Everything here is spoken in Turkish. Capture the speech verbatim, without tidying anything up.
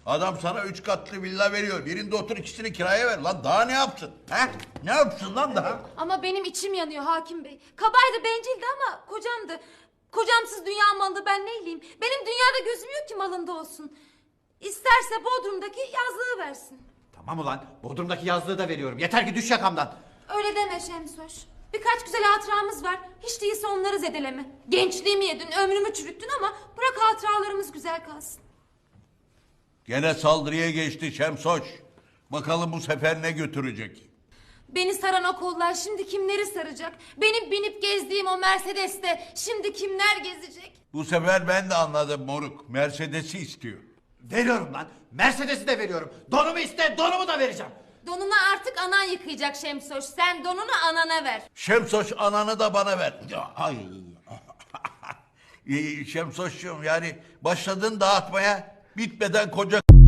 Adam sana üç katlı villa veriyor. Birinde otur, ikisini kiraya ver. Lan daha ne yapsın? He? Ne yapsın lan daha? Ama benim içim yanıyor hakim bey. Kabaydı, bencildi ama kocamdı. Kocamsız dünya malı ben neyleyim? Benim dünyada gözüm yok ki malında olsun. İsterse Bodrum'daki yazlığı versin. Tamam ulan, Bodrum'daki yazlığı da veriyorum. Yeter ki düş yakamdan. Öyle deme Şemsoş. Birkaç güzel hatıramız var. Hiç değilse onları zedeleme. Gençliğimi yedin, ömrümü çürüttün ama bırak hatıralarımız güzel kalsın. Gene saldırıya geçti Şemsoş. Bakalım bu sefer ne götürecek? Beni saran o kollar şimdi kimleri saracak? Benim binip gezdiğim o Mercedes'te şimdi kimler gezecek? Bu sefer ben de anladım moruk. Mercedes'i istiyor. Veriyorum lan. Mercedes'i de veriyorum. Donumu iste, donumu da vereceğim. Donunu artık anan yıkayacak Şemsoş. Sen donunu anana ver. Şemsoş ananı da bana ver. Ay. Şemsoş'cum yani başladın dağıtmaya, bitmeden koca